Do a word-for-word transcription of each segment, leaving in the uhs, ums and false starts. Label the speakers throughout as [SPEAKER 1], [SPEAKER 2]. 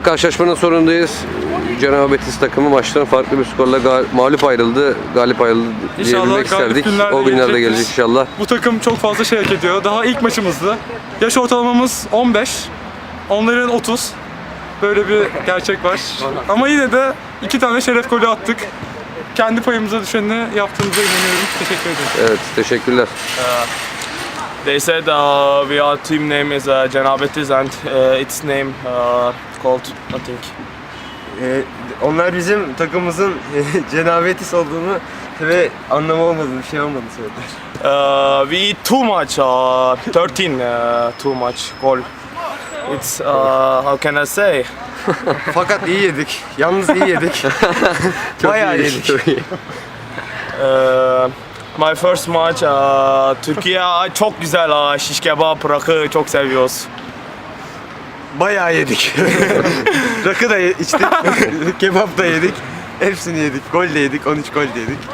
[SPEAKER 1] Karşılaşmanın sonundayız. Cenab-ı Betis takımı maçtan farklı bir skorla gal- mağlup ayrıldı, galip ayrıldı diyebilmek isterdik. O günlerde gelecek inşallah.
[SPEAKER 2] Bu takım çok fazla şey hak ediyor. Daha ilk maçımızdı. Yaş ortalamamız on beş, onların otuz. Böyle bir gerçek var. Ama yine de iki tane şeref golü attık. Kendi payımıza düşeni yaptığımıza inanıyorum. Teşekkür ederim.
[SPEAKER 1] Evet, teşekkürler.
[SPEAKER 3] Uh, they said uh, we our team name is uh, Cenab Betis and uh, its name uh, called I think.
[SPEAKER 4] Ee, onlar bizim takımımızın Cenab-ı Betis olduğunu ve anlamı olmadığını, bir şey olmadığını söylediler.
[SPEAKER 3] Uh, we eat too much. Uh, thirteen uh, too much goal. It's uh, how can I say?
[SPEAKER 4] Fakat iyi yedik. Yalnız iyi yedik. Bayağı yedik.
[SPEAKER 1] Çok iyi.
[SPEAKER 3] Uh, my first match uh, Türkiye çok güzel. Uh, şiş kebap, rakı çok seviyoruz.
[SPEAKER 4] Bayağı yedik. Rakı da ye- içtik. Kebap da yedik. Hepsini yedik. Gol de yedik. on üç gol de yedik.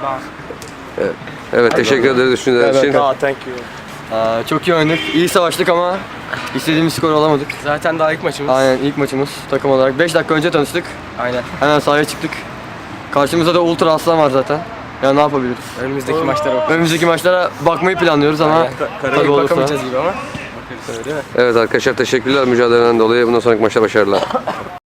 [SPEAKER 1] Evet, teşekkür ederiz düşünceler için.
[SPEAKER 3] Ah, thank you.
[SPEAKER 5] Aa, çok iyi oynadık. İyi savaştık ama istediğimiz skor alamadık.
[SPEAKER 6] Zaten daha ilk maçımız.
[SPEAKER 5] Aynen ilk maçımız takım olarak. beş dakika önce tanıştık.
[SPEAKER 6] Aynen.
[SPEAKER 5] Hemen sahaya çıktık. Karşımızda da Ultra Aslan var zaten. Ya ne yapabiliriz?
[SPEAKER 6] Önümüzdeki maçlara bak.
[SPEAKER 5] Önümüzdeki maçlara bakmayı planlıyoruz ama
[SPEAKER 6] Aynen.
[SPEAKER 5] tabii
[SPEAKER 6] Karayı
[SPEAKER 5] olursa.
[SPEAKER 6] bakamayacağız gibi ama. Bakarız öyle değil mi?
[SPEAKER 1] Evet arkadaşlar, teşekkürler mücadeleden dolayı. Bundan sonraki maçta başarılar.